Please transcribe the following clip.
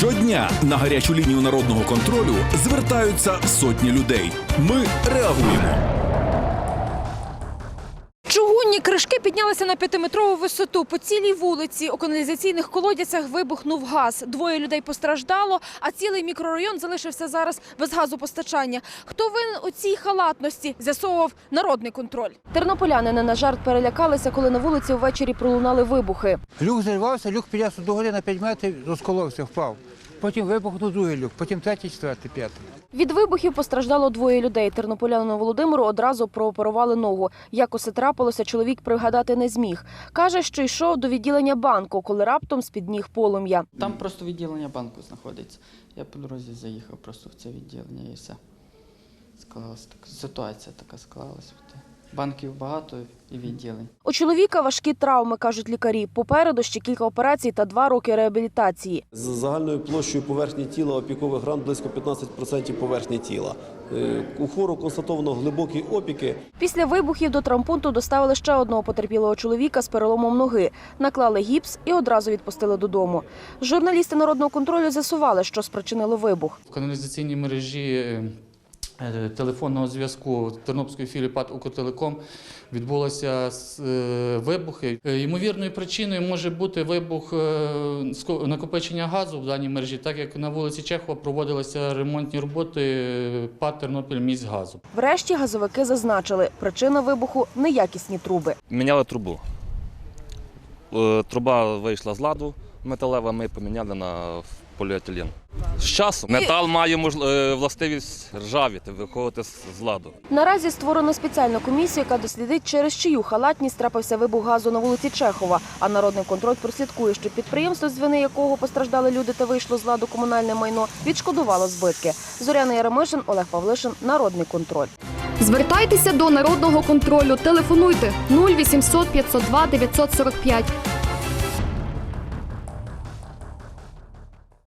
Щодня на гарячу лінію народного контролю звертаються сотні людей. Ми реагуємо. Чугунні кришки піднялися на 5-метрову висоту. По цілій вулиці у каналізаційних колодязях вибухнув газ. 2 людей постраждало, а цілий мікрорайон залишився зараз без газопостачання. Хто винен у цій халатності, з'ясовував народний контроль. Тернополяни не на жарт перелякалися, коли на вулиці ввечері пролунали вибухи. Люк зірвався, люк піднявся до гори на 5 метрів, розколовся, впав. Потім вибухнув другий люк, потім третій, четвертий, п'ятий. Від вибухів постраждало 2 людей. Тернополянину Володимиру одразу прооперували ногу. Як усе трапилося, чоловік пригадати не зміг. Каже, що йшов до відділення банку, коли раптом з-під ніг полум'я. Там просто відділення банку знаходиться. Я по дорозі заїхав просто в це відділення і все. Склалася така ситуація, така склалася. Банків багато і відділень. У чоловіка важкі травми, кажуть лікарі. Попереду ще кілька операцій та 2 роки реабілітації. З загальною площею поверхні тіла опікових ран близько 15% поверхні тіла. У хворого констатовано глибокі опіки. Після вибухів до травмпункту доставили ще одного потерпілого чоловіка з переломом ноги. Наклали гіпс і одразу відпустили додому. Журналісти народного контролю з'ясували, що спричинило вибух. В каналізаційній мережі телефонного зв'язку Тернопільської філії ПАТ «Укртелеком» відбулися вибухи. Ймовірною причиною може бути вибух накопичення газу в даній мережі, так як на вулиці Чехова проводилися ремонтні роботи ПАТ «Тернопільміськгазу». Врешті газовики зазначили, причина вибуху – неякісні труби. Міняли трубу. Труба вийшла з ладу металева, ми поміняли на поліетилен. З часом метал має властивість ржавіти, виходити з ладу. Наразі створено спеціальну комісію, яка дослідить, через чию халатність трапився вибух газу на вулиці Чехова. А народний контроль прослідкує, що підприємство, з вини якого постраждали люди та вийшло з ладу комунальне майно, відшкодувало збитки. Зоряна Яремишин, Олег Павлишин, Народний контроль. Звертайтеся до Народного контролю. Телефонуйте 0800 502 945.